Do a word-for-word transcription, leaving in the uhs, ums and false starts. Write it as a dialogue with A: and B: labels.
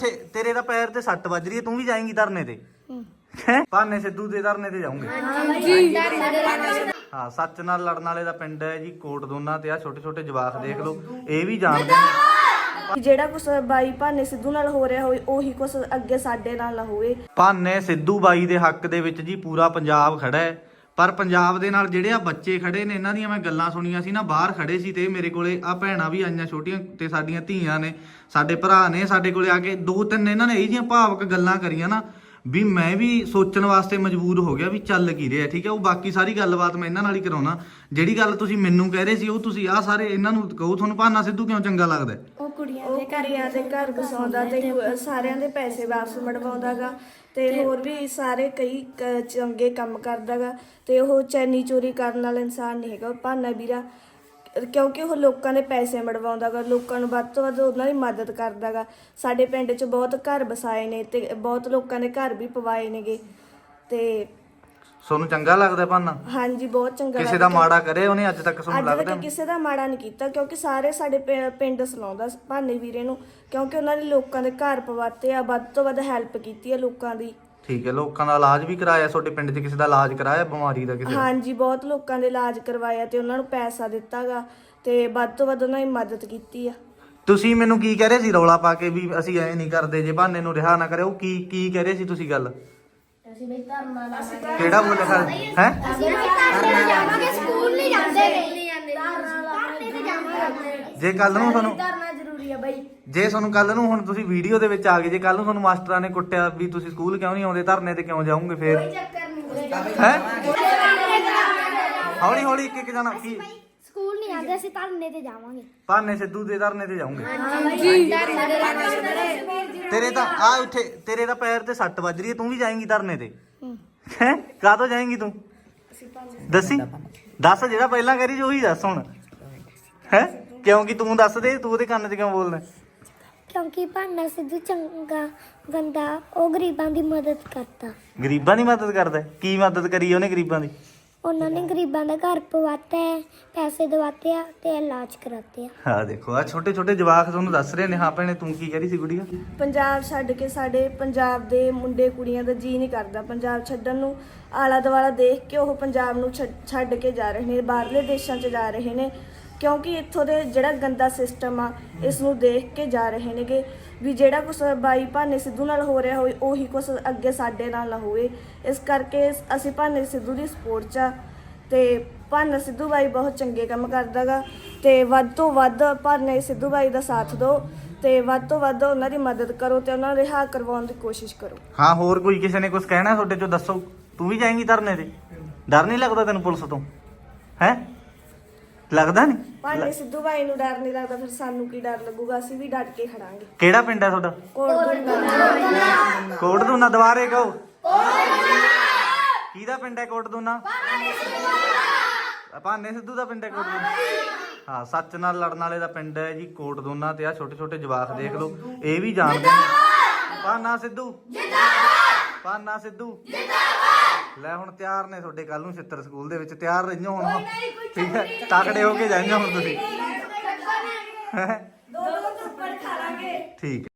A: तेरे दा पैर ते सट बज रही है, तू भी जाएंगी धरने ते? हैं भाने सिद्धू दे धरने ते जाऊंगे? हाँ, सच नाल लड़न वाले दा पिंड है जी कोट दोना ते आ छोटे छोटे जवाक देख लो, ये भी जानते हैं
B: ਜਿਹੜਾ ਕੁਛ ਬਾਈ ਭਾਨੇ ਸਿੱਧੂ ਨਾਲ ਹੋ ਰਿਹਾ ਹੋਵੇ ਉਹੀ ਕੁਛ ਅੱਗੇ ਸਾਡੇ ਨਾਲ ਨਾ ਹੋਵੇ।
A: ਭਾਨੇ ਸਿੱਧੂ ਬਾਈ ਦੇ ਹੱਕ ਦੇ ਵਿੱਚ ਜੀ ਪੂਰਾ ਪੰਜਾਬ ਖੜਾ ਹੈ, ਪਰ ਪੰਜਾਬ ਦੇ ਨਾਲ ਜਿਹੜੇ ਆ ਬੱਚੇ ਖੜੇ ਨੇ ਇਹਨਾਂ ਦੀਆਂ ਮੈਂ ਗੱਲਾਂ ਸੁਣੀਆਂ ਸੀ ਨਾ, ਬਾਹਰ ਖੜੇ ਸੀ ਤੇ ਮੇਰੇ ਕੋਲੇ ਆ ਭੈਣਾਂ ਵੀ ਆਈਆਂ ਛੋਟੀਆਂ ਤੇ ਸਾਡੀਆਂ ਧੀਆਂ ਨੇ, ਸਾਡੇ ਭਰਾ ਨੇ, ਸਾਡੇ ਕੋਲੇ ਆ ਕੇ ਦੋ ਤਿੰਨ ਇਹਨਾਂ ਨੇ ਇਹ ਜਿਹੀਆਂ ਭਾਵਕ ਗੱਲਾਂ ਕਰੀਆਂ ਨਾ ਵੀ ਮੈਂ ਵੀ ਸੋਚਣ ਵਾਸਤੇ ਮਜਬੂਰ ਹੋ ਗਿਆ ਵੀ ਚੱਲ ਕੀ ਰਿਹਾ। ਠੀਕ ਹੈ, ਉਹ ਬਾਕੀ ਸਾਰੀ ਗੱਲਬਾਤ ਮੈਂ ਇਹਨਾਂ ਨਾਲ ਹੀ ਕਰਾਉਣਾ। ਜਿਹੜੀ ਗੱਲ ਤੁਸੀਂ ਮੈਨੂੰ ਕਹਿ ਰਹੇ ਸੀ ਉਹ ਤੁਸੀਂ ਆ ਸਾਰੇ ਇਹਨਾਂ ਨੂੰ ਕਹੋ, ਤੁਹਾਨੂੰ ਭਾਨਾ ਸਿੱਧੂ ਕਿਉਂ ਚੰਗਾ ਲੱਗਦਾ?
B: ਉਹ ਕੁੜੀਆਂ ਦੇ ਘਰਿਆਂ ਦੇ ਘਰ ਵਸਾਉਂਦਾ ਤੇ ਸਾਰਿਆਂ ਦੇ ਪੈਸੇ ਵਾਪਸ ਮੜਵਾਉਂਦਾਗਾ ਤੇ ਹੋਰ ਵੀ ਸਾਰੇ ਕਈ ਚੰਗੇ ਕੰਮ ਕਰਦਾਗਾ ਤੇ ਉਹ ਚੈਨੀ ਚੋਰੀ ਕਰਨ ਵਾਲਾ ਇਨਸਾਨ ਨਹੀਂ ਹੈਗਾ ਭਾਨਾ ਵੀਰਾ, ਕਿਉਂਕਿ ਉਹ ਲੋਕਾਂ ਦੇ ਪੈਸੇ ਮੜਵਾਉਂਦਾਗਾ, ਲੋਕਾਂ ਨੂੰ ਵੱਧ ਤੋਂ ਵੱਧ ਉਹਨਾਂ ਦੀ ਮਦਦ ਕਰਦਾਗਾ। ਸਾਡੇ ਪਿੰਡ 'ਚ ਬਹੁਤ ਘਰ ਵਸਾਏ ਨੇ ਤੇ ਬਹੁਤ ਲੋਕਾਂ ਦੇ ਘਰ ਵੀ ਪਵਾਏ ਨੇਗੇ ਤੇ
A: ਤੁਹਾਨੂੰ ਚੰਗਾ ਲੱਗਦਾ ਭਾਨਾ?
B: ਹਾਂਜੀ, ਬਹੁਤ ਚੰਗਾ।
A: ਕਿਸੇ ਦਾ ਮਾੜਾ ਕਰੇ ਉਹਨੇ ਅੱਜ ਤੱਕ ਤੁਹਾਨੂੰ
B: ਲੱਗਦਾ?
A: ਲੱਗਦਾ
B: ਕਿਸੇ ਦਾ ਮਾੜਾ ਨਹੀਂ ਕੀਤਾ, ਕਿਉਂਕਿ ਸਾਰੇ ਸਾਡੇ ਪਿੰਡ ਸਲਾਉਂਦਾ ਭਾਨੇ ਵੀਰੇ ਨੂੰ, ਕਿਉਂਕਿ ਉਹਨਾਂ ਨੇ ਲੋਕਾਂ ਦੇ ਘਰ ਪਵਾਤੇ ਆ, ਵੱਧ ਤੋਂ ਵੱਧ ਹੈਲਪ ਕੀਤੀ ਆ ਲੋਕਾਂ ਦੀ।
A: ਠੀਕ ਹੈ, ਲੋਕਾਂ ਦਾ ਇਲਾਜ ਵੀ ਕਰਾਇਆ ਤੁਹਾਡੇ ਪਿੰਡ 'ਚ? ਕਿਸੇ ਦਾ ਇਲਾਜ ਕਰਾਇਆ ਬਿਮਾਰੀ ਦਾ ਕਿਸੇ?
B: ਹਾਂਜੀ, ਬਹੁਤ ਲੋਕਾਂ ਦੇ ਇਲਾਜ ਕਰਵਾਇਆ ਤੇ ਉਹਨਾਂ ਨੂੰ ਪੈਸਾ ਦਿੱਤਾਗਾ ਤੇ ਵੱਧ ਤੋਂ ਵੱਧ ਉਹਨਾਂ ਦੀ ਮਦਦ ਕੀਤੀ ਆ।
A: ਤੁਸੀਂ ਮੈਨੂੰ ਕੀ ਕਹਿ ਰਹੇ ਸੀ ਰੌਲਾ ਪਾ ਕੇ ਵੀ ਅਸੀਂ ਐ ਨਹੀਂ ਕਰਦੇ ਜੇ ਭਾਨੇ ਨੂੰ ਰਿਹਾ ਨਾ ਕਰੇ? ਉਹ ਕੀ ਕੀ ਕਹਿ ਰਹੇ ਸੀ ਤੁਸੀਂ ਗੱਲ?
C: ਅਸੀਂ ਬਈ ਧਰਨਾ ਲਾਵਾਂਗੇ।
A: ਕਿਹੜਾ ਬੋਲੇ ਸਰ? ਹੈ
C: ਅਸੀਂ ਬਈ ਧਰਨੇ ਜਾਵਾਂਗੇ, ਸਕੂਲ ਨਹੀਂ ਜਾਂਦੇ ਨੇ। ਧਰਨੇ ਤੇ ਜਾਵਾਂਗੇ
A: ਜੇ ਕੱਲ ਨੂੰ ਤੁਹਾਨੂੰ
C: ਧਰਨਾ ਜ਼ਰੂਰੀ ਆ ਬਈ।
A: ਜੇ ਤੁਹਾਨੂੰ ਕੱਲ ਨੂੰ ਹੁਣ ਤੁਸੀਂ ਵੀਡੀਓ ਦੇ ਵਿੱਚ ਆ ਗਏ, ਜੇ ਕੱਲ ਨੂੰ ਤੁਹਾਨੂੰ ਮਾਸਟਰਾਂ ਨੇ ਕੁੱਟਿਆ ਵੀ ਤੁਸੀਂ ਸਕੂਲ ਕਿਉਂ ਨਹੀਂ ਆਉਂਦੇ, ਧਰਨੇ ਤੇ ਕਿਉਂ ਜਾਓਗੇ ਫੇਰ?
C: ਕੋਈ ਚੱਕਰ ਨਹੀਂ
A: ਹੈ ਹੌਲੀ ਹੌਲੀ ਇੱਕ ਇੱਕ ਜਾਣਾ ਕੀ
C: ਸਕੂਲ ਨਹੀਂ ਆਉਂਦੇ, ਅਸੀਂ ਧਰਨੇ ਤੇ ਜਾਵਾਂਗੇ।
A: ਭਾਨੇ ਸਿੱਧੂ ਦੇ ਧਰਨੇ ਤੇ ਜਾਓਗੇ?
C: ਹਾਂਜੀ।
A: ਤੇਰੇ ਤਾਂ ਆ ਉੱਥੇ ਤੇਰੇ ਦਾ ਪੈਰ ਤੇ ਸੱਟ ਵੱਜ ਰਹੀ ਹੈ, ਤੂੰ ਵੀ ਜਾਏਂਗੀ ਧਰਨੇ ਤੇ? ਹੈ ਕਾਹਤੋਂ ਜਾਏਂਗੀ ਤੂੰ? ਦੱਸੀ ਦੱਸ, ਜਿਹੜਾ ਪਹਿਲਾਂ ਕਰੀ ਸੀ ਉਹੀ ਦੱਸ ਹੁਣ। ਹੈ ਕਿਉਂਕਿ ਤੂੰ ਦੱਸ ਦੇ, ਤੂੰ ਉਹਦੇ ਕੰਨ 'ਚ ਕਿਉਂ ਬੋਲਦਾ?
C: ਕਿਉਂਕਿ ਭਾਨਾ ਸਿੱਧੂ ਚੰਗਾ ਬੰਦਾ, ਉਹ ਗਰੀਬਾਂ ਦੀ ਮਦਦ ਕਰਦਾ।
A: ਗਰੀਬਾਂ ਦੀ ਮਦਦ ਕਰਦਾ? ਕੀ ਮਦਦ ਕਰੀ ਉਹਨੇ ਗਰੀਬਾਂ ਦੀ?
C: ਉਹਨਾਂ ਨੇ ਗਰੀਬਾਂ ਦਾ ਘਰ ਪਵਾਤਾ ਹੈ, ਪੈਸੇ ਦਵਾਤੇ ਆ ਤੇ ਇਲਾਜ ਕਰਾਤੇ ਆ।
A: ਹਾਂ ਦੇਖੋ ਆ ਛੋਟੇ ਛੋਟੇ ਜਵਾਕ ਤੁਹਾਨੂੰ ਦੱਸ ਰਹੇ ਨੇ। ਹਾਂ ਭੈਣੇ ਤੂੰ ਕੀ ਕਹਿ ਰਹੀ ਸੀ ਗੁੜੀਆ?
B: ਪੰਜਾਬ ਛੱਡ ਕੇ ਸਾਡੇ ਪੰਜਾਬ ਦੇ ਮੁੰਡੇ ਕੁੜੀਆਂ ਦਾ ਜੀ ਨਹੀਂ ਕਰਦਾ ਪੰਜਾਬ ਛੱਡਣ ਨੂੰ। ਆਲਾ ਦੁਆਲਾ ਦੇਖ ਕੇ ਉਹ ਪੰਜਾਬ ਨੂੰ ਛੱਡ ਕੇ ਜਾ ਰਹੇ ਨੇ, ਬਾਹਰਲੇ ਦੇਸ਼ਾਂ 'ਚ ਜਾ ਰਹੇ ਨੇ, ਕਿਉਂਕਿ ਇੱਥੋਂ ਦੇ ਜਿਹੜਾ ਗੰਦਾ ਸਿਸਟਮ ਆ ਇਸ ਨੂੰ ਦੇਖ ਕੇ ਜਾ ਰਹੇ ਨੇਗੇ ਵੀ ਜਿਹੜਾ ਕੁਛ ਬਾਈ ਭਾਨੇ ਸਿੱਧੂ ਨਾਲ ਹੋ ਰਿਹਾ ਹੋਵੇ ਉਹੀ ਕੁਛ ਅੱਗੇ ਸਾਡੇ ਨਾਲ ਨਾ ਹੋਵੇ। ਇਸ ਕਰਕੇ ਅਸੀਂ ਭਾਨੇ ਸਿੱਧੂ ਦੀ ਸਪੋਰਟ 'ਚ ਆ ਤੇ ਭਾਨਾ ਸਿੱਧੂ ਬਾਈ ਬਹੁਤ ਚੰਗੇ ਕੰਮ ਕਰਦਾਗਾ ਤੇ ਵੱਧ ਤੋਂ ਵੱਧ ਭਾਨੇ ਸਿੱਧੂ ਬਾਈ ਦਾ ਸਾਥ ਦਿਓ ਤੇ ਵੱਧ ਤੋਂ ਵੱਧ ਉਹਨਾਂ ਦੀ ਮਦਦ ਕਰੋ ਤੇ ਉਹਨਾਂ ਨੂੰ ਰਿਹਾ ਕਰਵਾਉਣ ਦੀ ਕੋਸ਼ਿਸ਼ ਕਰੋ।
A: ਹਾਂ, ਹੋਰ ਕੋਈ ਕਿਸੇ ਨੇ ਕੁਝ ਕਹਿਣਾ ਤੁਹਾਡੇ 'ਚੋਂ ਦੱਸੋ? ਤੂੰ ਵੀ ਜਾਏਂਗੀ ਧਰਨੇ ਤੇ? ਡਰ ਨਹੀਂ ਲੱਗਦਾ ਤੈਨੂੰ ਪੁਲਿਸ ਤੋਂ? ਹੈ ਲੱਗਦਾ ਨਹੀਂ?
B: ਭਾਨੇ ਸਿੱਧੂ ਬਾਈ ਨੂੰ ਡਰ ਨਹੀਂ ਲੱਗਦਾ, ਫਿਰ ਸਾਨੂੰ ਕੀ ਡਰ ਲੱਗੂਗਾ? ਅਸੀਂ ਵੀ ਡਟ ਕੇ ਖੜਾਂਗੇ।
A: ਕਿਹੜਾ ਪਿੰਡ ਹੈ ਤੁਹਾਡਾ? ਕੋਟ ਦੂਨਾ। ਦੁਬਾਰੇ ਕਹੋ। ਕਿਹਦਾ ਪਿੰਡ ਹੈ ਕੋਟ ਦੂਨਾ? ਭਾਨੇ ਸਿੱਧੂ ਦਾ ਪਿੰਡ ਹੈ ਕੋਟ ਦੂਨਾ? ਹਾਂ, ਸੱਚ ਨਾਲ ਲੜਨ ਵਾਲੇ ਦਾ ਪਿੰਡ ਹੈ ਜੀ ਕੋਟ ਦੂਨਾ ਤੇ ਆ ਛੋਟੇ ਛੋਟੇ ਜਵਾਕ ਦੇਖ ਲਓ, ਇਹ ਵੀ ਜਾਣਦੇ ਨੇ। ਭਾਨਾ ਸਿੱਧੂ ਜਿੰਦਾਬਾਦ, ਭਾਨਾ ਸਿੱਧੂ ਜਿੰਦਾਬਾਦ। ਲੈ ਹੁਣ ਤਿਆਰ ਨੇ ਤੁਹਾਡੇ ਕੱਲ ਨੂੰ ਛਿੱਤਰ ਸਕੂਲ ਦੇ ਵਿੱਚ, ਤਿਆਰ ਰਹੀਓ ਹੁਣ। ਠੀਕ ਹੈ, ਤਕੜੇ ਹੋ ਕੇ ਜਾਈਓ ਹੁਣ ਤੁਸੀਂ।
B: ਦੋ ਦੋ ਥੱਪੜ ਖਾ ਲਾਂਗੇ।
A: ਠੀਕ।